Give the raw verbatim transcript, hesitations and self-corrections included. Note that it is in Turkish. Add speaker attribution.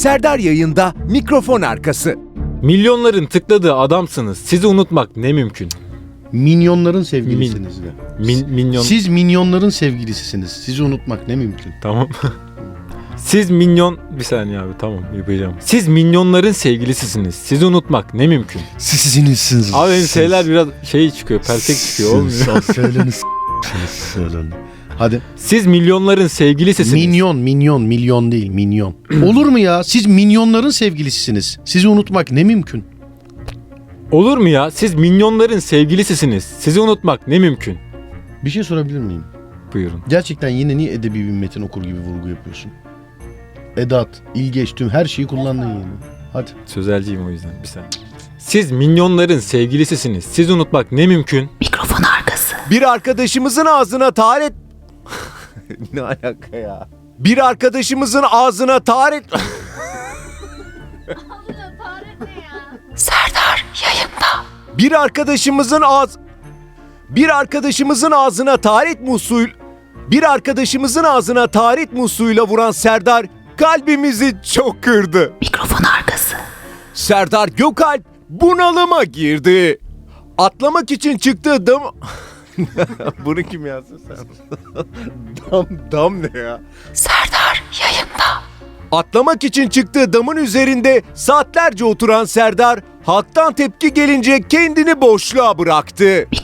Speaker 1: Serdar Yayında mikrofon arkası.
Speaker 2: Milyonların tıkladığı adamsınız. Sizi unutmak ne mümkün?
Speaker 3: Minyonların sevgilisiniz de.
Speaker 2: Min, minyon...
Speaker 3: Siz minyonların sevgilisisiniz. Sizi unutmak ne mümkün?
Speaker 2: Tamam. Siz minyon... Bir saniye abi, tamam yapacağım. Siz minyonların sevgilisisiniz. Sizi unutmak ne mümkün?
Speaker 3: Sizsiniz.
Speaker 2: Abi benim şeyler biraz şey çıkıyor, peltek çıkıyor, olmuyor.
Speaker 3: Söyleniz. Söylenin. Hadi.
Speaker 2: Siz milyonların sevgilisisiniz.
Speaker 3: Minyon, minyon, milyon değil, minyon. Olur mu ya? Siz minyonların sevgilisisiniz. Sizi unutmak ne mümkün?
Speaker 2: Olur mu ya? Siz minyonların sevgilisisiniz. Sizi unutmak ne mümkün?
Speaker 3: Bir şey sorabilir miyim?
Speaker 2: Buyurun.
Speaker 3: Gerçekten yine niye edebi bir metin okur gibi vurgu yapıyorsun? Edat, ilgeç, tüm her şeyi kullandın yine. Hadi.
Speaker 2: Sözelciyim o yüzden, bir saniye. Siz minyonların sevgilisisiniz. Sizi unutmak ne mümkün?
Speaker 4: Mikrofon arkası.
Speaker 1: Bir arkadaşımızın ağzına taharet... Ne alaka ya? Bir arkadaşımızın ağzına taharet...
Speaker 4: Serdar yayında.
Speaker 1: Bir arkadaşımızın ağz... Bir arkadaşımızın ağzına taharet musluğuyla... Bir arkadaşımızın ağzına taharet musluğuyla vuran Serdar kalbimizi çok kırdı.
Speaker 4: Mikrofon arkası.
Speaker 1: Serdar Gökalp bunalıma girdi. Atlamak için çıktığı dam... Bunu kim yazdı sen? dam, dam ne ya?
Speaker 4: Serdar yayında.
Speaker 1: Atlamak için çıktığı damın üzerinde saatlerce oturan Serdar, halktan tepki gelince kendini boşluğa bıraktı.